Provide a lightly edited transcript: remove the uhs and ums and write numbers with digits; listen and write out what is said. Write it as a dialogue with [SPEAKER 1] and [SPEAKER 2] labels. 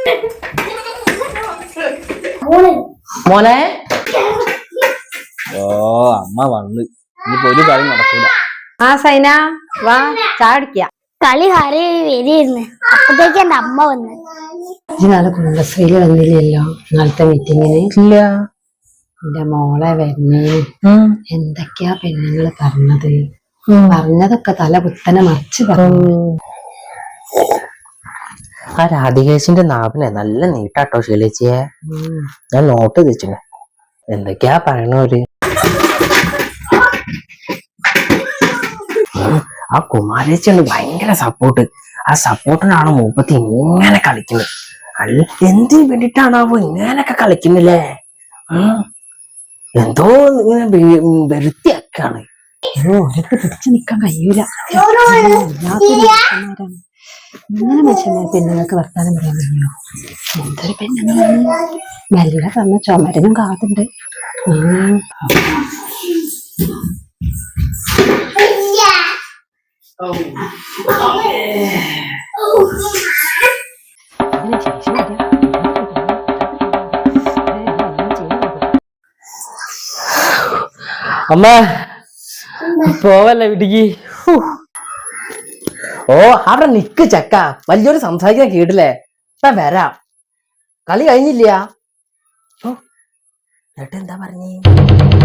[SPEAKER 1] മോനെ ഓ അമ്മ വന്ന് ഇനിയിപ്പോ ഒരു കളി നടക്കൂല.
[SPEAKER 2] ആ സൈന വാ ചാടിക്ക.
[SPEAKER 3] കളി ഹരി വരിയിരുന്നു, അപ്പത്തേക്ക് എന്റെ അമ്മ വന്ന്.
[SPEAKER 2] നാളെ കുടുംബശ്രീയില് വന്നില്ലല്ലോ നാളത്തെ മീറ്റിങ്ങിന്?
[SPEAKER 1] ഇല്ല.
[SPEAKER 2] എന്റെ മോളെ വരുന്നേ എന്തൊക്കെയാ പെണ്ണുങ്ങള് പറഞ്ഞത്? പറഞ്ഞതൊക്കെ തല കുത്തനെ മറിച്ച് പറഞ്ഞു.
[SPEAKER 1] ആ രാധികേശിന്റെ നാവിനെ നല്ല നീട്ടാട്ടോ ശീലിച്ചേ. ഞാൻ നോട്ട് വെച്ചിന് എന്തൊക്കെയാ പറയണോര്. ആ കുമാരേച്ചിയുണ്ട് ഭയങ്കര സപ്പോർട്ട്. ആ സപ്പോർട്ടിനാണ് മൂപ്പത്തി ഇങ്ങനെ കളിക്കുന്നത്. അല്ല എന്തിനു വേണ്ടിട്ടാണാവോ ഇങ്ങനൊക്കെ കളിക്കുന്നില്ലേ? എന്തോ ഇങ്ങനെ വരുത്തിയൊക്കെയാണ്.
[SPEAKER 2] ഓരൊക്കെ പിടിച്ചു നിക്കാൻ കഴിയൂല. ഇങ്ങനെ മനുഷ്യന്മാർ പെണ്ണുങ്ങൾക്ക് വർത്താനം പറയാൻ കഴിയുമോ? എന്തൊരു പെണ്ണുങ്ങളാണ്. മെല്ലെ പറഞ്ഞ ചുമരനും കാതുണ്ട്.
[SPEAKER 1] അമ്മ പോവല്ലേ വീട്ടിക്ക്? ഓ അവിടെ നിക്ക് ചക്ക, വലിയൊരു സംസാരിക്കാൻ കേട്ടില്ലേ? ഞാൻ വരാം. കളി കഴിഞ്ഞില്ല. ചേട്ടൻ എന്താ പറഞ്ഞേ?